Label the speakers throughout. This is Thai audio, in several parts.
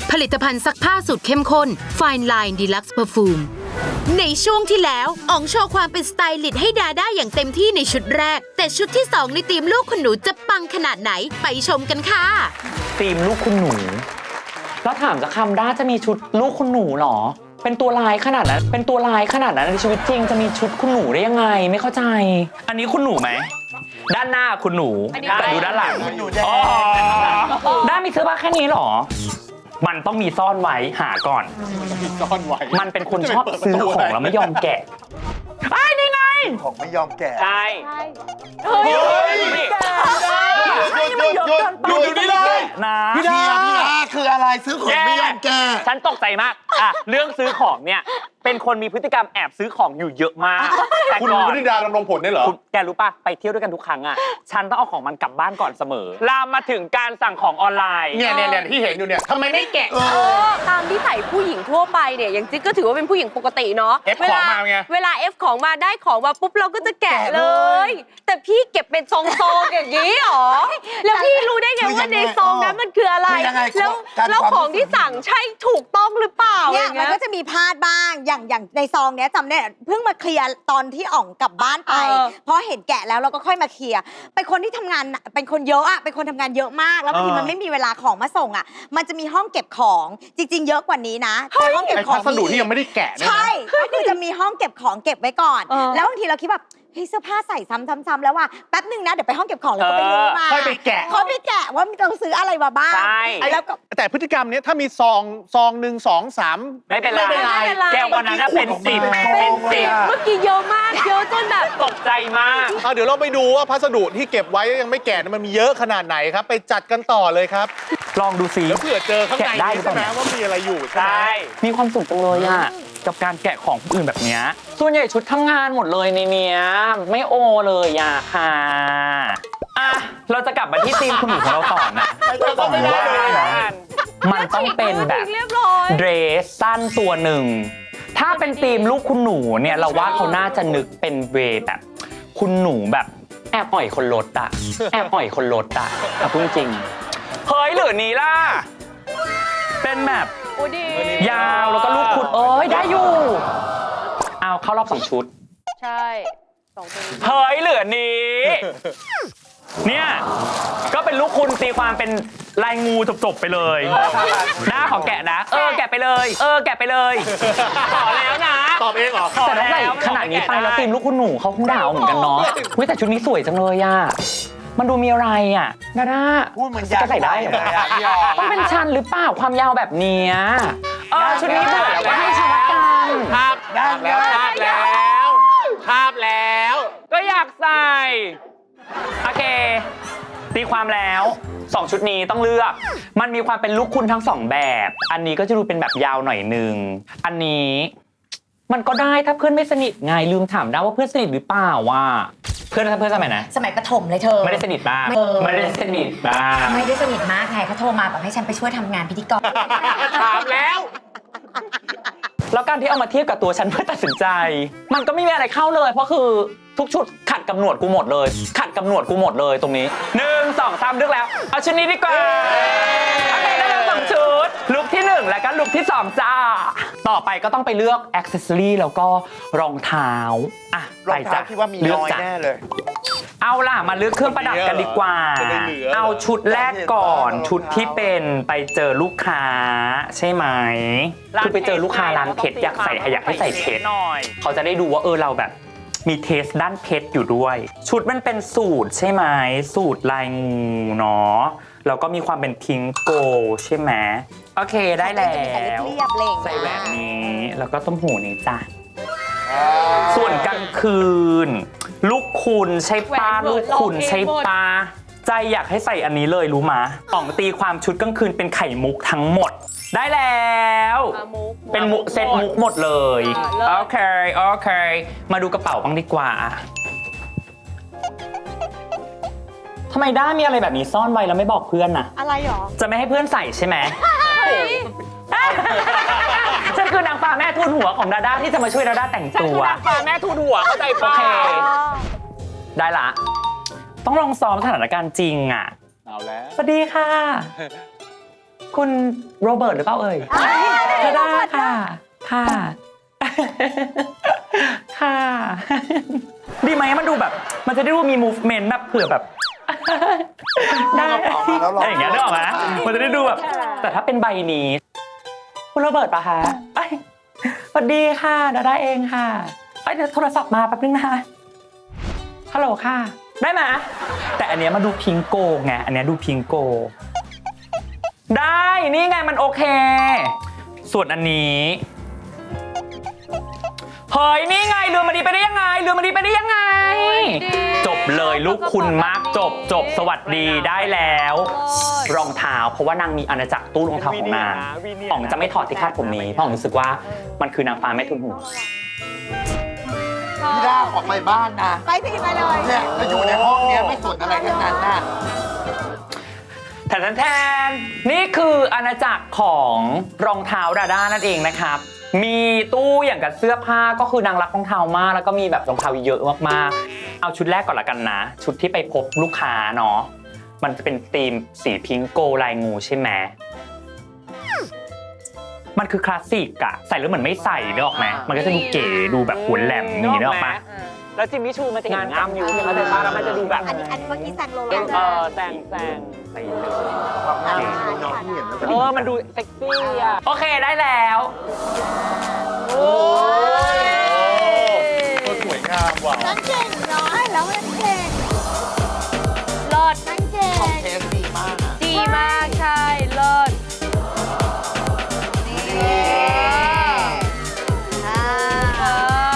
Speaker 1: ผลิตภัณฑ์ซักผ้าสูตรเข้มข้น Fine Line Deluxe Perfume ในช่วงที่แล้วอ๋องโชว์ความเป็นสไตลิสต์ให้ดาด้าอย่างเต็มที่ในชุดแรก แต่ชุดที่ 2 ในทีมลูกคุณหนูจะปังขนาดไหนไปชมกันค่ะ
Speaker 2: ทีมลูกคุณหนูแล้วถามจะคำด้าจะมีชุดลูกคุณหนูหรอเป็นตัวลายขนาดนั้นในชีวิตจริงจะมีชุดคุณหนูได้ยังไงไม่เข้าใจอันนี้คุณหนูไหมด้านหน้าคุณหนูแต่ดูด้านหลังอ๋อด้านมีเสื้อผ้าแค่นี้หรอมันต้องมีซ่อนไว้หาก่อนมันเป็นคนชอบซื้อของแล้วไม่ยอมแกะไอ้นี่ไง
Speaker 3: ของไม่ยอมแกะ
Speaker 2: ใช่
Speaker 3: เฮ้ยหยุดนี่เลย
Speaker 2: นะ
Speaker 3: พี่ดาคืออะไรซื้อของไม่ยอมแกะ
Speaker 2: ฉันตกใจมากเรื่องซื้อของเนี่ยเป็นคนมีพฤติกรรมแอบซื้อของอยู่เยอะมาก
Speaker 3: คุณวนิดาดำรงผลได้เหรอ
Speaker 2: แกรู้ป่ะไปเที่ยวด้วยกันทุกครั้งฉันต้องเอาของมันกลับบ้านก่อนเสมอลามมาถึงการสั่งของออนไลน์
Speaker 3: เนี่ยที่เห็นอยู่เนี่ยทำไมไม่แกะ
Speaker 4: ตามที่ใส่ผู้หญิงทั่วไปเนี่ยอย่างจิ๊กก็ถือว่าเป็นผู้หญิงปกติเนาะ
Speaker 3: เอฟของมาไง
Speaker 4: เวลาเอฟของมาได้ของมาปุ๊บเราก็จะแกะเลยแต่พี่เก็บเป็นซองๆอย่างนี้หรอแล้วพี่รู้ได้ไงว่าในซองนั้นมันคืออะไรแล้วของที่สั่งใช่ถูกต้องหรือเปล่า
Speaker 5: เนี่ยมันก็จะมีพลาดบ้างอย่างในซองเนี้ยจำได้เพิ่งมาเคลียร์ตอนที่อ่องกลับบ้านไปเพราะเห็นแกะแล้วเราก็ค่อยมาเคลียร์เป็นคนที่ทำงานเป็นคนเยอะอะเป็นคนทำงานเยอะมากแล้วบางทีมันไม่มีเวลาของมาส่งอะมันจะมีห้องเก็บของจริงๆเยอะกว่านี้นะแต่ห้องเก็บของ
Speaker 3: พัสดุที่ยังไม่ได้แกะ
Speaker 5: ใช่ก็คือจะมีห้องเก็บของเก็บไว้ก่อนแล้วบางทีเราคิดแบบเฮ้ยเสื้อผ้าใส่ซ้ำๆแล้วว่าแป๊บนึงนะเดี๋ยวไปห้องเก็บของแล้วก็ไปรู้มา
Speaker 3: ค่อยไปแกะ
Speaker 5: เขาไปแกะว่ามีต้องซื้ออะไรมาบ้าง
Speaker 3: แล้วแต่พฤติกรรมนี้ถ้ามีซองหนึ่ง2 3
Speaker 2: ไม่เป็นไรแก้ววันนั้นเป็น10
Speaker 4: เมื่อกี้เยอะมากเยอะจนแบบ
Speaker 2: ตกใจมาก
Speaker 3: เดี๋ยวเราไปดูว่าพัสดุที่เก็บไว้ยังไม่แกะมันมีเยอะขนาดไหนครับไปจัดกันต่อเลยครับ
Speaker 2: ลองดูซิ
Speaker 3: แล้วเผื่อเจอข้างในใช่ไหมว่ามีอะไรอยู่
Speaker 2: ใช่มีความสุขจังเลยกับการแกะของคนอื่นแบบนี้ส่วนใหญ่ชุดทำงานหมดเลยในเนี้ยไม่โอเลยค่ะเราจะกลับมาที่ทีมคุณหนูของเราต่อนะบอกว่ามันต้องเป็นแบบเดรสสั้นตัวหนึ่งถ้าเป็นทีมลูกคุณหนูเนี่ยเราว่าเขาน่าจะนึกเป็นเวแบบคุณหนูแบบแอบอ่อยคนรถพูดจริงเฮ้ยหรือนี้ล่ะเป็นแบบยาวแล้วก็ลูกคุณได้อยู่เอาเข้ารอบ2 ชุด
Speaker 4: ใช่2 ชุด
Speaker 2: เฮ้ยเหลือนี้เนี่ยก็เป็นลูกคุณตีความเป็นลายงูจบๆไปเลยหน้าขอแกะนะแกะไปเลยแกะไปเลยขอแล้วนะ
Speaker 3: ตอบเองเหรอ
Speaker 2: แต่ถ้าใส่ขนาดนี้ไปแล้วทีมลูกคุณหนูเขาคงด่าเหมือนกันเนาะแต่ชุดนี้สวยจังเลยมันดูมีอะไรดาด้า
Speaker 3: พูดเหมือนยาว
Speaker 2: ใส่ได้ต้องเป็นชั้นหรือเปล่าความยาวแบบนี้ชุดนี้เบื่อแล้วก็ให้ชนะกัน
Speaker 3: ภาพแล้ว
Speaker 2: ก็อยากใส่โอเคตีความแล้ว2 ชุดนี้ต้องเลือกมันมีความเป็นลูกคุณทั้ง2แบบอันนี้ก็จะดูเป็นแบบยาวหน่อยนึงอันนี้มันก็ได้ถ้าเพื่อนไม่สนิทไงลืมถามได้ว่าเพื่อนสนิทหรือเปล่าเพื่อนสมัยไหน
Speaker 5: สมัยประถมเลยเธอ
Speaker 2: ไม่ได้สนิทมากไม่ได้สนิทมาก
Speaker 5: ไงเขาโทรมาแบบให้ฉันไปช่วยทำงานพิธีกร
Speaker 3: ถามแล้ว
Speaker 2: การที่เอามาเทียบกับตัวฉันเพื่อตัดสินใจมันก็ไม่มีอะไรเข้าเลยเพราะคือทุกชุดขัดกับหนวดกูหมดเลยตรงนี้1 2 3เลือกแล้วเอาชุดนี้ดีกว่าโอเคได้แล้ว2 ชุดลุคที่1แล้วก็ลุคที่2จ้าต่อไปก็ต้องไปเลือกอ็อกเซสซอรี่แล้วก็รองเท้าร
Speaker 3: องเท้าที่ว่ามีน้อยแน่เลย
Speaker 2: เอาล่ะมาเลือกเครื่องประดับกันดีกว่าเอาชุดแรกก่อนชุดที่เป็นไปเจอลูกค้าใช่ไหมคือไปเจอลูกค้าร้านเพชรอยากให้ใส่เพชรเขาจะได้ดูว่าเราแบบมีเทสด้านเพชรอยู่ด้วยชุดมันเป็นสูตรใช่ไหมสูตรลายงูเนาะแล้วก็มีความเป็นพิงโกใช่ไหมโอเคได้แล้วใส่แหวนนี้แล้วก็ต้มหูนี้จ้ะส่วนกลางคืนลูกคุณใช่ป้าลูกคุณใช่ป้าใจอยากให้ใส่อันนี้เลยรู้มะของตีความชุดกลางคืนเป็นไข่มุกทั้งหมดได้แล้วเป็นเซตมุกหมดเลยโอเคมาดูกระเป๋าบ้างดีกว่าทำไมด้ามีอะไรแบบนี้ซ่อนไว้แล้วไม่บอกเพื่อนน่ะ
Speaker 5: อะไรหรอ
Speaker 2: จะไม่ให้เพื่อนใส่ใช่ไหมฉันคือนางฟ้าแม่ทูลหัวของดาด้าที่จะมาช่วยดาด้าแต่งตัว
Speaker 4: ฉันคือนางฟ้าแม่ทูลหัวเข้าใจป่ะ
Speaker 2: โอเคได้ละต้องลองซ้อมสถานการณ์จริง
Speaker 3: เอาแล้ว
Speaker 2: สวัสดีค่ะคุณโรเบิร์ตหรือเปล่าเอ่ยได้ค่ะ ค่ะ ค่ะ ดีไหมมันดูแบบ มันจะได้ดูมี movement แบบเผื่อแบบ ได้อะไรอย่างเงี้ยนึกออกไหมมันจะได้ดูแบบ แต่ถ้าเป็นใบนี้ คุณโรเบิร์ตปะคะเอ้ยสวัสดีค่ะดาด้าเองค่ะเอ้ยเดี๋ยวโทรศัพท์มาแป๊บนึงนะคะฮัลโหลค่ะ ได้ไหมแต่อันเนี้ยมาดูพิงโกไง อันเนี้ยดูพิงโก ได้ นี่ไงมันโอเค ส่วนอันนี้ เฮ้ย นี่ไงเรือมาดีไปได้ยังไงเรือมาดีไปได้ยังไง จบเลยลูกคุณมากจบสวัสดีได้แล้ว รองเท้าเพราะว่านางมีอาณาจักรตู้รองเท้าของนางอ๋องจะไม่ถอดที่คาดผมนี้เพราะอ๋องรู้สึกว่ามันคือนางฟ้าแม่ทุนหัว
Speaker 6: พี่ด้าออกไปบ้านนะ
Speaker 5: ไปสิไปเลย
Speaker 6: เนี่ยจะอยู่ในห้องเนี้ยไม่สนอะไรทั้งนั้นน่ะ
Speaker 2: แทนนี่คืออาณาจักรของรองเท้าดาด้านั่นเองนะครับมีตู้อย่างกับเสื้อผ้าก็คือนางรักรองเท้ามากแล้วก็มีแบบรองเท้าเยอะมากๆเอาชุดแรกก่อนละกันนะชุดที่ไปพบลูกค้าเนาะมันจะเป็นธีมสีพิงโกลายงูใช่ไหมมันคือคลาสสิกอะใส่แล้วเหมือนไม่ใส่เนกออกไหมมันก็จะดูเก๋ดูแบบหัวแหลมนี่เนกออกปะ
Speaker 7: แล้วจิมมี่ชูมันจะเห็นงามอยู่ใช่ไหมแต่ป้าแล้วมันจะดูแบบ
Speaker 5: อันนี้เมื่อกี้แซงโลเล
Speaker 7: แซง
Speaker 2: ใส่เลย
Speaker 6: ความงามของน้องที่เห็นแล้วแบบ
Speaker 7: มันดูเซ็กซี่อ่ะ
Speaker 2: โอเคได้แล้ว
Speaker 3: โอ้สวยงามว่ะ
Speaker 5: นั่นเก่งน้อยแล้วนั่นเก่ง
Speaker 4: เลิศ
Speaker 5: นั่นเก่ง
Speaker 6: เทสดีมากอะ
Speaker 4: ดีมากใช่เลิศ
Speaker 5: นี่
Speaker 4: เออ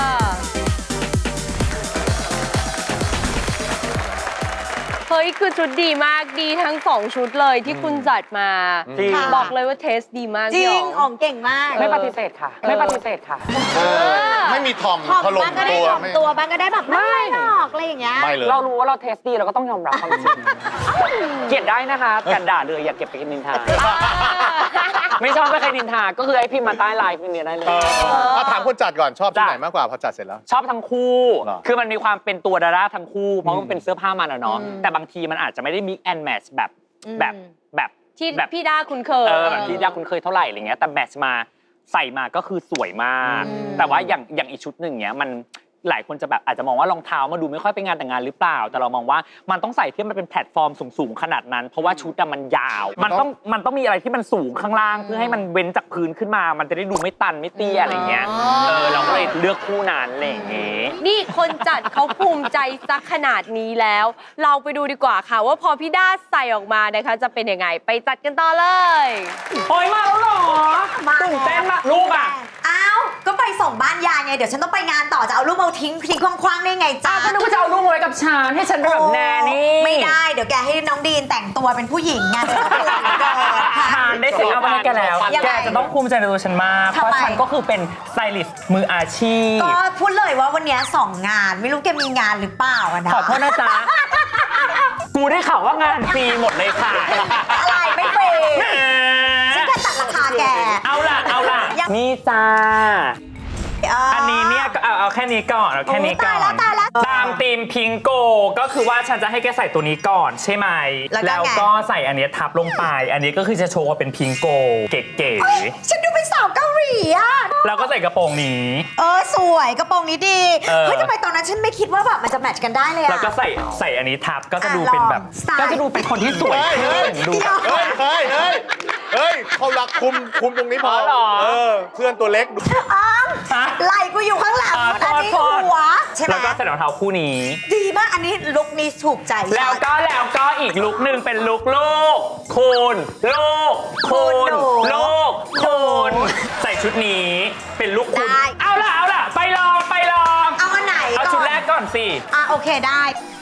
Speaker 4: เฮ้ยคือชุดดีมากดีทั้ง2ชุดเลยที่คุณจัดมา
Speaker 7: จริง
Speaker 4: บอกเลยว่าเทสดีมาก
Speaker 5: จริ
Speaker 4: พี่
Speaker 5: ง
Speaker 4: อ๋
Speaker 5: อ๋
Speaker 4: อ
Speaker 5: อง งเก่งมาก
Speaker 7: ไม่ปฏิเสธค่ะ ไม่ปฏิเสธค่ะ
Speaker 3: ไม่มีทอม
Speaker 5: ถ่อม
Speaker 3: ถล่ม
Speaker 5: บ้างก็ได้
Speaker 3: ตัว
Speaker 5: ถ่อม
Speaker 3: ไม่
Speaker 5: ตัวบ้างก็ได้แบบไม่หรอกอะไรอย่างเงี้ย
Speaker 3: ไม่เลย
Speaker 7: เรารู้ว่าเราเทสดีเราก็ต้องยอมรับความจริงเกลียดได้นะคะแต่ด่าเลยอย่าเก็บไปกินนินทา ไม่ชอบไม่เคยนินทาก็คือไอ้พิมพ์มาใต้ไลน์พิมพ์เนี้ยได้เลย
Speaker 3: เอาถามคนจัดก่อนชอบที่
Speaker 7: จ้ะ
Speaker 3: ไหนมากกว่าพอจัดเสร็จแล้ว
Speaker 7: ชอบทั้งคู่
Speaker 3: เหรอ
Speaker 7: คือมันมีความเป็นตัวดาราทั้งคู่ เพราะมันเป็นเสื้อผ้ามันอะเนาะ แต่บางทีมันอาจจะไม่ได้ mix and match แบบ
Speaker 4: ที่
Speaker 7: แบบ
Speaker 4: พี่ด้าคุ้นเคย
Speaker 7: แบบที่ยากคุณเคยเท่าไหร่อะไรเงี้ย แต่แมทช์มาใส่มาก็คือสวยมาก แต่ว่าอย่างอีกชุดหนึ่งเนี้ยมันหลายคนจะแบบอาจจะมองว่ารองเท้ามาดูไม่ค่อยเป็นงานแต่งงานหรือเปล่า แต่เรามองว่ามันต้องใส่ที่มันเป็นแพลตฟอร์มสูงๆขนาดนั้น เพราะว่าชุดมันยาว มันต้องมีอะไรที่มันสูงข้างล่างเพื่อให้มันเว้นจากพื้นขึ้นมา มันจะได้ดูไม่ตันไม่เตี้ยอะไรเงี้ย เราก็เลยเลือกคู่นั้นอะไรอย่างเงี้ย
Speaker 4: นี่คนจัดเขาภูมิใจสักขนาดนี้แล้ว เราไปดูดีกว่าค่ะ ว่าพอพี่ด้าใส่ออกมานะคะจะเป็นยังไงไปจัดกันต่อเลย
Speaker 2: โอ้ยมาแล้วเหรอตื่นเต้นมากลูกอ่ะ
Speaker 5: อ้าว ก็ไปส่งบ้านยายไง เดี๋ยวฉันต้องไปงานต่อจะเอาลูกมาทิ้งคว้างๆได้ไงจ๊ะ
Speaker 2: ก็นึกว่าจะเอาลูกไว้กับฉันให้ฉันเป็นแบบแนนี่
Speaker 5: ไม่ได้ เดี๋ยวแกให้น้องดีนแต่งตัวเป็นผู้หญิงไงจะต้องเป็นอะไรก่อนค่ะ
Speaker 2: ทานได้เสร็จเอาไปให้แกแล้ว
Speaker 5: ยังไง
Speaker 2: แกจะต้องภูมิใจในตัวฉันมาก
Speaker 5: ทำไม
Speaker 2: เพราะฉันก็คือเป็นสไตลิสต์มืออาชีพ
Speaker 5: ก็พูดเลยว่าวันเนี้ย2 งาน ไม่รู้แกมีงานหรือเปล่าอะนะ
Speaker 2: ขอโทษนะจ๊ะ กูได้ข่าวว่างานฟรีหมดเลยค่ะ
Speaker 5: อะไรไม่ฟรีฉันจะตัดราคาแก
Speaker 2: เอาล่ะ
Speaker 5: ยัง
Speaker 2: นี่จ้า อันนี้เนี่ยก็เอาแค่นี้ก่อนเอาแค่นี้ก่อน
Speaker 5: ตายแล้ว
Speaker 2: ตามธีมพิงโกก็คือว่าฉันจะให้แกใส่ตัวนี้ก่อนใช่ไหม
Speaker 5: แล้วก็ไง
Speaker 2: ก็ใส่อันนี้ทับลงไป อันนี้ก็คือจะโชว์ว่าเป็นพิงโกเก๋
Speaker 5: เฮ้ยฉันดูเป็นสาวเกาหลีอะ
Speaker 2: ๆแล้วก็ใส่กระโปรงนี้
Speaker 5: สวยกระโปรงนี้ดี เฮ้ยทำไมตอนนั้นฉันไม่คิดว่าแบบมันจะแมทช์กันได้เลยอะ
Speaker 2: แล้วก็ใส่อันนี้ทับก็จะดูเป็นแบบ
Speaker 5: ลองสไตล์
Speaker 2: ก็จะดูเป็นคนที่สวยขึ้นดูแบบ
Speaker 3: เฮ้ยเขารักคุมตรงนี้พอ
Speaker 2: เหรอ
Speaker 3: เพื่อนตัวเล็กดู
Speaker 5: ไหล่กูอยู่ข้างหลังอันนี้
Speaker 2: โทษ
Speaker 5: หัวใช่ไหม
Speaker 2: แล้วก็ใส่รองเท้าคู่นี้
Speaker 5: ดีมากอันนี้ลุคนี้ถูกใจ
Speaker 2: แล้วก็อีกลุกหนึ่งเป็นลุกลูกคูณลูกคูณลูกคูณใส่ชุดนี้เป็นลุกคูณเอาล่ะไปลอง
Speaker 5: เอาอันไหน
Speaker 2: เอาชุดแรกก่อนสิ
Speaker 5: โอเคได้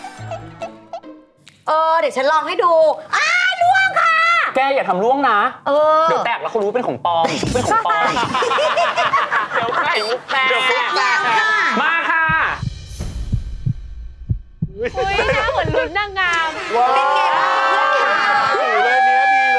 Speaker 5: เดี๋ยวฉันลองให้ดูล่วงค่ะ
Speaker 2: แกอย่าทำล่วงนะ
Speaker 5: เออ
Speaker 2: เดี๋ยวแตกแล้วเขารู้เป็นของปลอมเป็นของปลอมเดี๋ยวไข่มุกแตก
Speaker 5: แล้วค่ะ
Speaker 2: มาค่ะ
Speaker 4: เฮ้ยหน้าเหมือนลุ้นนางงาม
Speaker 3: ว้าว
Speaker 5: เป็นไงบ้างเพื่อนค่ะ
Speaker 3: สีเลยเนี้ยดีเลย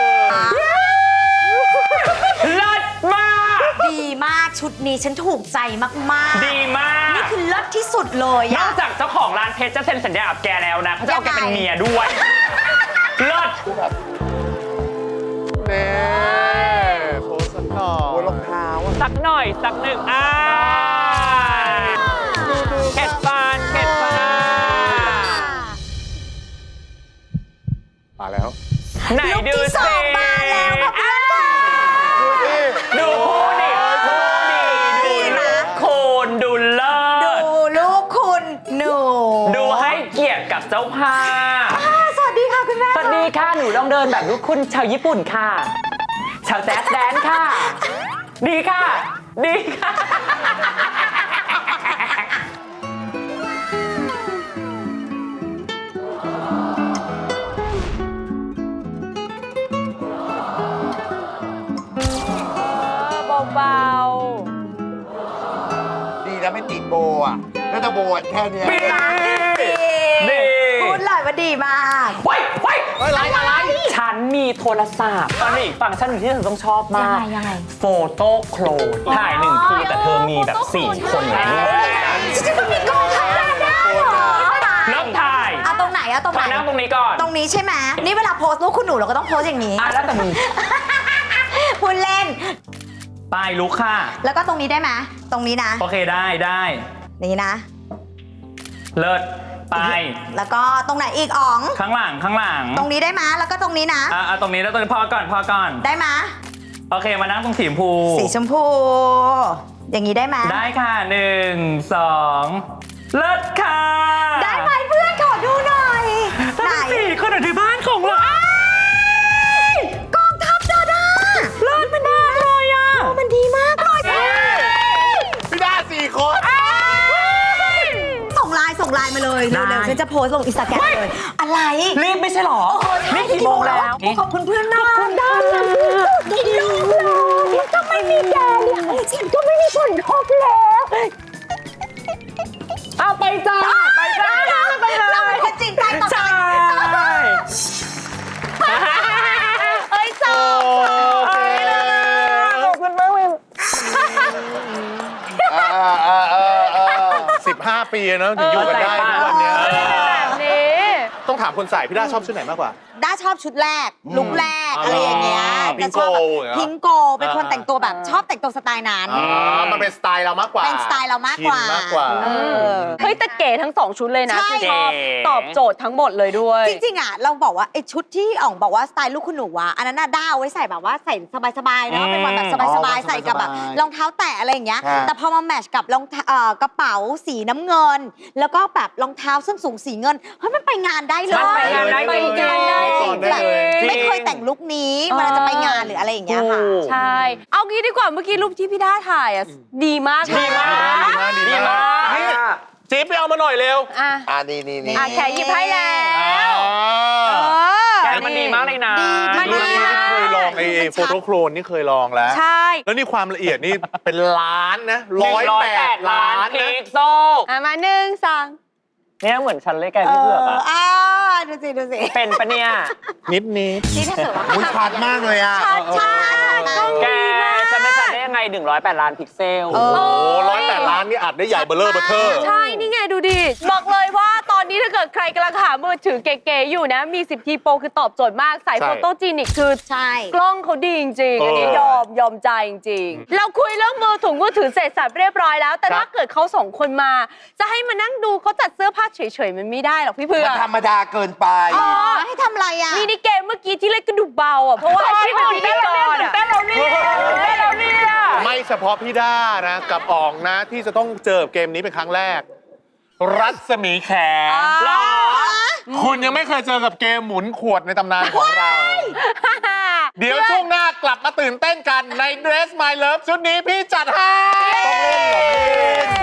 Speaker 2: เลิศมาก
Speaker 5: ดีมากชุดนี้ฉันถูกใจมากๆ
Speaker 2: ดีมาก
Speaker 5: นี่คือเลิศที่สุดเลย
Speaker 2: นอกจากเจ้าของร้านเพชรจะเซ็นสัญญากับแกแล้วนะเขาจะเอาแกเป็นเมียด้วย เลิศ
Speaker 3: แน่
Speaker 7: สักหนึ่งเข็ดฟัน
Speaker 3: มาแล้ว
Speaker 2: ไหนดู
Speaker 5: ที่ส
Speaker 2: สิ
Speaker 5: องมาแล้วค่ะเพื่อนค่ะ
Speaker 2: ดูคู่ดิดูคุณดูเลิศ
Speaker 5: ดูลูกคุณหนู
Speaker 2: ดูให้เกียรติกับเจ้าภาพ
Speaker 5: สวัสดีค่ะคุณแม่
Speaker 2: สวัสดีค่ะ หนูลองเดินแบบลูกคุณชาวญี่ปุ่นค่ะ ชาวแจ๊สแดนค่ะ ดีค่ะ ดีค่ะ
Speaker 4: เบา
Speaker 6: ดีนะไม่ติดโบอ่ะแล้วถ้าโบอ่ะแค่เนี้ย
Speaker 2: ดี
Speaker 5: พูดเลยว่าดีมาก
Speaker 2: ไว้ไว้
Speaker 3: อะไร
Speaker 2: ฉันมีโทรศัพท์ตอนนี้ฟังก์ชันหนึ่งที่เธอต้องชอบมาก
Speaker 5: ยังไง
Speaker 2: โฟโต้โคลนถ่ายหนึ่งทีแต่เธอมีแบบ4 คนในรูป
Speaker 5: จะมีกองทัพดาด้าเหรอ
Speaker 2: เริ่มถ่าย
Speaker 5: เอาตรงไหนเอาตรงไห
Speaker 2: มาน นั่งตรงนี้ก่อน
Speaker 5: ตรงนี้ใช่ไหมนี่เวลาโพสต์รูปคุณหนูเราก็ต้องโพสต์อย่างนี้
Speaker 2: แล้วแต่มึง
Speaker 5: พูดเล่น
Speaker 2: ไปลุกค่ะ
Speaker 5: แล้วก็ตรงนี้ได้ไหมตรงนี้นะ
Speaker 2: โอเคได้
Speaker 5: นี่นะ
Speaker 2: เลิศไป
Speaker 5: แล้วก็ตรงไหนอีกอ๋อง
Speaker 2: ข้างหลัง
Speaker 5: ตรงนี้ได้ไหมแล้วก็ตรงนี้นะ
Speaker 2: ตรงนี้แล้วตรงนี้พอก่อน
Speaker 5: ได้ไหม
Speaker 2: โอเคมานั่งตรงสีชมพู
Speaker 5: สีชมพู อย่างนี้ได้ไหม
Speaker 2: ได้ค่ะ1 2เลิศค่ะ
Speaker 5: ได้ไหมเพื่อนขอดูหน่อยไหน
Speaker 2: 4 คนในบ้านของเรา
Speaker 5: กองทัพดาด้าเลิศมันดีเลยอ่ะมันดีมากเลย
Speaker 3: พี่ด้า4 คน
Speaker 5: ส่งไลน์มาเลยเร็วๆฉันจะโพสต์ลงอินสตาแกรมเลย อะไร
Speaker 2: รีบไม่ใช่หรอ นี่กี่โมงแล้ว
Speaker 5: ขอบคุณเพื่อนมากขอบคุณด้านนะในโลกเลยถ้าไม่มีแกเนี่ยฉันก็ไม่มีผลทบแล้ว
Speaker 2: เอาไปจ้าไปเลย
Speaker 5: เราเป็นคนจริงใจต่อ
Speaker 2: ใช่
Speaker 5: เอ้ยจบ
Speaker 2: ขอบคุณมากเลย
Speaker 3: 15 ปีเนอะถึงอยู่กันได้ทุกวันเนี้ย
Speaker 4: แบบนี้
Speaker 3: ต้องถามคนใส่พี่ด้าชอบชุดไหนมากกว่า
Speaker 5: ด้าชอบชุดแรกลุคแรกอะไรอย่างเงี้ย
Speaker 3: พิงโก
Speaker 5: จะชอบแบบ
Speaker 3: อย่างเงี้ย
Speaker 5: พิงโกเป็นคนแต่งตัวแบบชอบแต่งตัวสไตล์นั้น
Speaker 3: มันเป็นสไตล์เรามากกว่า
Speaker 5: เป็นสไตล์เรามากกว่า
Speaker 3: ชินมากกว่า
Speaker 4: เฮ้ยแต่เก๋ทั้ง 2 ชุดเลยนะ
Speaker 5: ใช่
Speaker 4: ที่ชอบตอบโจทย์ทั้งหมดเลยด้วย
Speaker 5: จริงๆอ่ะเราบอกว่าไอ้ชุดที่อ่องบอกว่าสไตล์ลูกคุณหนูอ่ะอันนั้นน่ะด้าเอาไว้ใส่แบบว่าใส่สบายๆเนาะเป็นวันแบบสบายๆใส่กับแบบรองเท้าแตะอะไรอย่างเงี้ย
Speaker 6: ครับ
Speaker 5: แต่พอมาแมทช์กับรองเท้ากระเป๋าสีน้ำเงิน แล้วก็แบบรองเท้าส้นสูงสีเงินเฮ้ยมันไปงานได้เลย
Speaker 2: มันไปงานได้
Speaker 5: ไปงานได้จริง
Speaker 3: ได้
Speaker 5: แบบ
Speaker 3: เลย
Speaker 5: ไม่เคยแต่งลุคนี้เวลาจะไปงานหรืออะไรอย่างเงี้ยค่ะ
Speaker 4: ใช่ เอางี้ดีกว่าเมื่อกี้รูปที่พี่ด้าถ่ายอ่ะดีมาก
Speaker 2: ดีมาก
Speaker 3: ดีมากนี่จิ๊บไปเอามาหน่อยเร็ว
Speaker 4: อ่ะ
Speaker 6: นี่
Speaker 4: แขกหยิบให้แล้ว
Speaker 2: แกมันดีมากเลยนะ
Speaker 4: มันดี
Speaker 3: นี่เคยลองไอ้โฟโต้โคลนนี่เคยลองแล้ว
Speaker 4: ใช่
Speaker 3: แล้วนี่ความละเอียดนี่เป็นล้านนะ108 ล้าน
Speaker 2: พิ
Speaker 3: นะ
Speaker 2: กโซล
Speaker 4: มา1 2
Speaker 7: เนี่ยเหมือนฉันเลยแกพี่เผือกอะ
Speaker 5: ดูสิ
Speaker 2: เป็นปะเนี่ย
Speaker 3: นิด
Speaker 5: นี่ถ้าเกิดว่า
Speaker 6: อุ้ยชัดมากเลยอ่ะ
Speaker 5: ใช่
Speaker 2: แกจะไม่ชัดได้ยังไง108 ล้านพิกเซล
Speaker 3: โอ้โห108 ล้านนี่อัดได้ใหญ่เบลเลอร์เบอร์เทอร์
Speaker 4: ใช่ นี่ไงดูดิ บอกเลยว่าตอนนี้ถ้าเกิดใครกำลังหามือถือเก๋ๆอยู่นะ มี10 ทีโปรคือตอบโจทย์มากสาย
Speaker 3: ใช่
Speaker 4: โฟโตจีนิกคือ
Speaker 5: ใช่
Speaker 4: กล้องเขาดีจริงๆ อันนี้ยอมใจจริงๆ เราคุยเรื่องมือถือเสร็จสับเรียบร้อยแล้ว แต่ถ้าเกิดเขา2 คนมา จะให้มานั่งดูเขาจัดเสื้อผ้าเฉยๆ มันไม่ได้หรอกพี่เพื่อ
Speaker 6: มันธรรมดาเกินไป
Speaker 5: ให้ทำอะไรอ่ะ
Speaker 4: มินิเกมเมื่อกี้ที่เล่นกระดูกเบาอ่ะ เพราะว่าอาชีพเป็นพิธีกรอ่ะ
Speaker 3: ไม่เฉพาะพี่ด้านะ กับอ๋องนะที่จะต้องเจอเกมนี้เป็นครั้งแรก รัศมีแขคุณยังไม่เคยเจอกับเกมหมุนขวดในตำนานของเรา เดี๋ยวช่วงหน้ากลับมาตื่นเต้นกันใน Dress My Love ชุดนี้พี่จัดให้ต้องเล่นเหรอพี่